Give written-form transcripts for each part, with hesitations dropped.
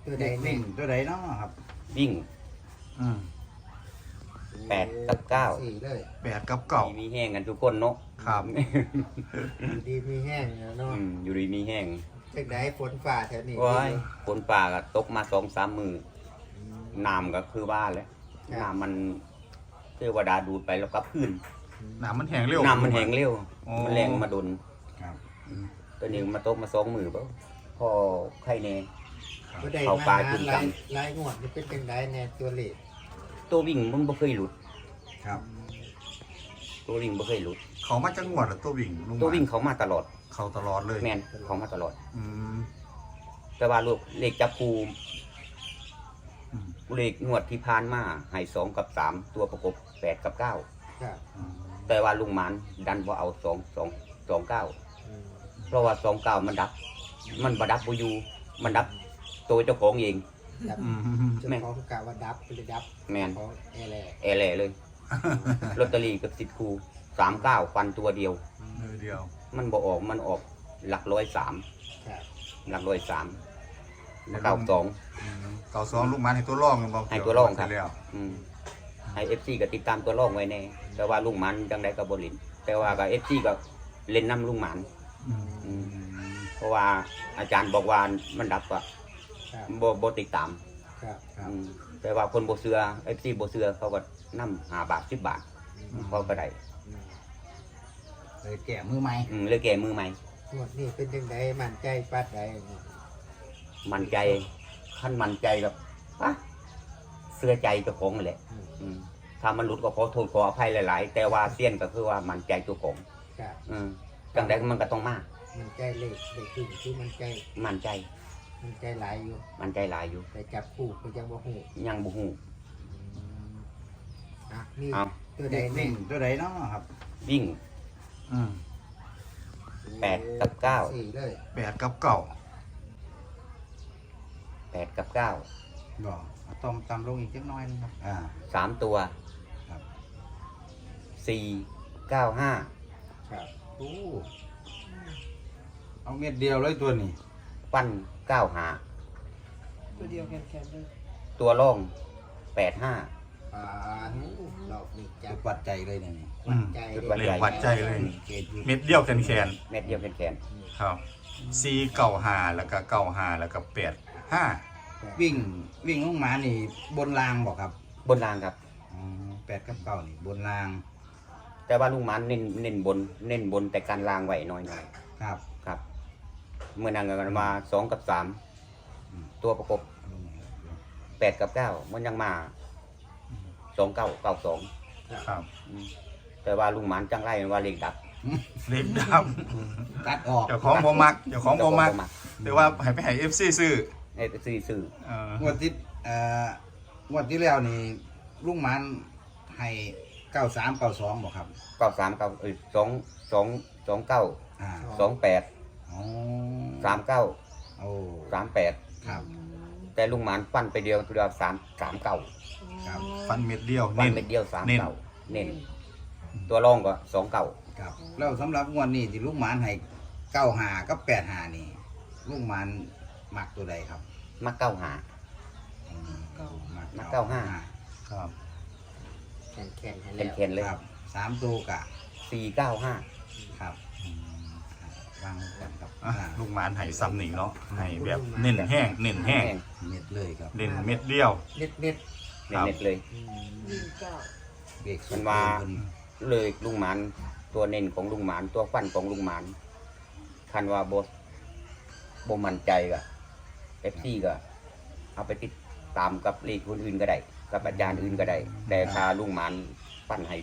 ตัวใดวิ่งตัวใดเนาะครับวิ่ง 8 กับ 9 สี่เลย 8 กับ 9 มีแห้งกันทุกคนเนาะครับอยู่ดีมีแห้งเนาะอยู่ดีมีแห้งจังไดฝนฝ่าแถวนี้ว้ายฝนป่าก็ตกมา2-3 มือน้ำก็คือบ้านแล้วน้ำมันเทวดาดูดไปแล้วก็พื้นน้ำมันแห้งเร็วน้ำมันแห้งเร็วอ๋อมันแรงมาดนครับตัวนี้มาตกมา2 มือเปล่าพอไข่แน่ก็ได้เข้ามาป่าหากินกันลายงวดนี่เป็นจังไดแน่ตัวเลขตัววิ่งมันบ่เคยหลุดครับตัววิ่งบ่เคยหลุดเขามาจังหวัดหรือตัววิ่งลุงตัววิ่งเขามาตลอดเขาตลอดเลยแม่นเขามาตลอดอืมแต่ว่าลูกเลขจับคูอืมเลขงวดที่ผ่านมาให้2 กับ 3 ตัวประกบ8 กับครับ 9 แต่ว่าลุงหมานดันบ่เอา2 9 อืมเพราะว่า29มันดับ มันบ่ดับบ่อยู่มันดับตัวเจ้าของเองดับอืมเจ้าของกะว่าดับไปเลยดับแม่นของแอร์แลแอแหล่เลยลอตเตอรี่กับ10 คู่39ฟันตัวเดียวเดียวมันบ่ออกมันออกหลัก103 ครับหลัก103แล้ว92 เก่า2ลูกมันให้ตัวร่องกันบ่ให้ตัวร่องครับแล้วให้ FC ก็ติดตามตัวร่องไว้แน่แต่ว่าลุงหมันจังไดก็บ่เล่นแต่ว่าก็ FC ก็เล่นนํลุงหมันอืมเพราะว่าอาจารย์บอกว่ามันดับอะครับบ่ติดตามครับครับแต่ว่าคนบ่เชื่อ FC บ่เชื่อเขาก็นํ5 บาท 10 บาทเขาก็ได้อืมเลยแก่มือใหม่เลยแก่มือใหม่งวดนี้เป็นจังไดมั่นใจปัดใดมั่นใจขั้นมั่นใจกับปะเสื้อใจเจ้าของนั่นแหละอืมอืมถ้ามันหลุดก็ขอโทษขออภัยหลาย ๆ แต่ว่าเสี้ยนก็คือว่ามั่นใจเจ้าของครับจังใดมันก็ต้องมามันใจเลขเลขขึ้นคือมันใจมั่นใจมันใจหลายอยู่มั่นใจหลายอยู่แต่จับคู่ก็ยังบ่ฮู้ยังบ่ฮู้อ่ะนี่เอาตัวใดวิ่วิ่งงตัวใดเนาะครับวิ่งอืม 8 กับ 9 สี่เลย 8 กับ 9 8 กับ 9 บอกเอาต้มตำลงอีกเล็กน้อยนึงครับ 3 ตัวครับ 4 9 5 ครับโอ้เอาเม็ดเดียวเลยตัวนี้ปั้น9 หาตัวเดียวแค่ๆเลยตัวร่อง8 5 อ่าเรานี่จัจุบดวัดใจเลยเนี่ยนี่อืมใจจุดเลวัดยเลขวัดใจเลยเกตอยู่เม็ดเดียวแขนเม็ดเดียวแขนๆครับ4 9 5แล้วก็9 5แล้วก็8 5 วิ่งวิ่งลงมานี่บนรางบอกครับๆบนรางครับอ๋อ8 กับ 9นี่บนรางแต่ว่าลุงหมันเน้นบนแต่การรางไหวน้อยครับๆครับ เมื่อนางกันมา2 กับ 3 ตัวประกบลงมาครับ 8 กับ 9 มันยังมา2 9 9 2 ครับแต่ว่าลุงหมันจังไรว่าเลขดับเลขดับตัดออกเจ้าของบ่มักเจ้าของบ่มักแต่ว่าให้ไปให้ FC ซื้อไอ้ซื้องวดที่งวดที่แล้วนี่ลุงหมันให้93 92บอกครับ 93 9 2 9 อ่า 28 อ๋อ 39 โอ้ 38 ครับแต่ลุงหมันปั้นไปเดียว3 39 ครับฟันเม็ดเดียวปั้นเน้นเม็ดเดียวเน้น 39เน้นตัวรองก็29 ครับแล้วสำหรับงวดนี้ที่ลุงหมันให้95กับ85นี่ลุงหมันมักตัวใดครับมักเก้าหา มัก95 ครับแข็งแข็งให้เป็แล้นวเคนเลยครับ3ตัวกะ 495 ครับวางกันครับอ่ะลูกหมานให้ซ้ำหนิเนาะให้แบบเน้นแห้งเน้นแห้งเม็ดเลยครับเน้นเม็ดเดียวเน็ตเน็ตเน็ตๆเลยเบรกมันว่า เลยลุงหมันตัวเน้นของลุงหมันตัวฟันของลุงหมันคันว่าบ่มั่นใจก็ FC ก็เอาไปติดตามกับเลขคนอื่นก็ได้กับอาจารย์อื่นก็ได้แต่ถ้าลุงหมันฟันให้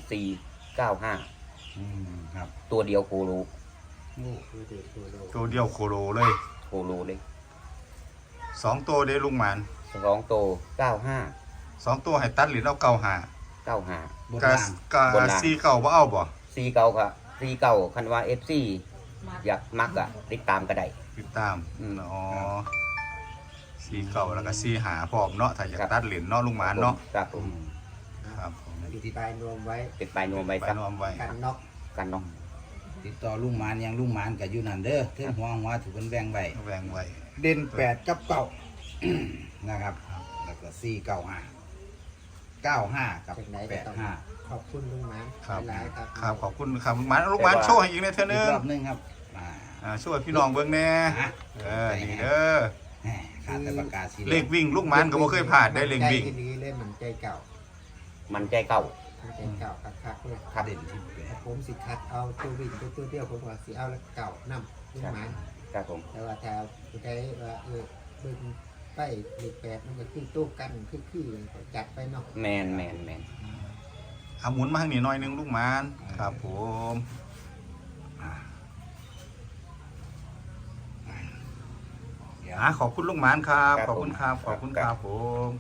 495 ครับตัวเดียวโคโลตัวเดียวตัวโลตัวเดียวโคโลเลยโคโลเลย 2 ตัวได้ลุงหมาน 2ตัว95 2 ตัวให้ตัดหรือเอาเก่าหา 95 บนกะล่างกะบนล่างซีเก่าบ่เอาบ่ 49ค่ะ49คันว่า FC อยากมักอ่ะติดตามก็ได้ติดตามอืมอ๋อซีเก่าแล้วก็ซีหาพร้อมเนาะถ้าอยากครับตัดเหรียญเนาะลุงหมานเนาะครับผอืมมครับผมติดปลายนวมไว้ติดปลายนวมไว้ไปครับนอมไว้กันน็อกกันเนาะติดต่อลุงหมานยังลุงหมานกับอยู่นั่นเด้อเท่งหัวถูกเป็นแบ่งใบแวงไว้เด่น8กับ9 นะครับแล้วก็495 กับจากไหนก็ต้อง 85 ขอบคุณลุงหมานครับหลายๆครับครับขอบคุณครับลุงหมานลุงหมานโชว์ให้อีกในเท่าอีนึกงรอบหนึงครับอ่าช่วยพี่น้องเบิ่งแน่ฮะนี่เด้อแหม่ขาดแต่ปากกาสีเลขวิ่งลุงหมานก็บ่เคยพลาดได้เลขวิ่งใจดีเลยมันใจเก่ามันใจเก่ามันใจเก่าคักๆเลยขาดเด่นที่แปดผมสิคัดเอาตัววิ่งตัวเดียวผมว่าสิเอาแล้วเก่านำลุงหมานครับผมแต่ว่าถ้าผู้ใดว่าเบิ่งไปเลขแปดมันก็คือตู้กันคือจัดไปเนาะแมนเอาหมุนมาทางนี้หน่อยหนึงลุงหมานครับผมเดี๋ยวขอบคุณลุงหมานครับขอบคุณครับขอบคุณครับผม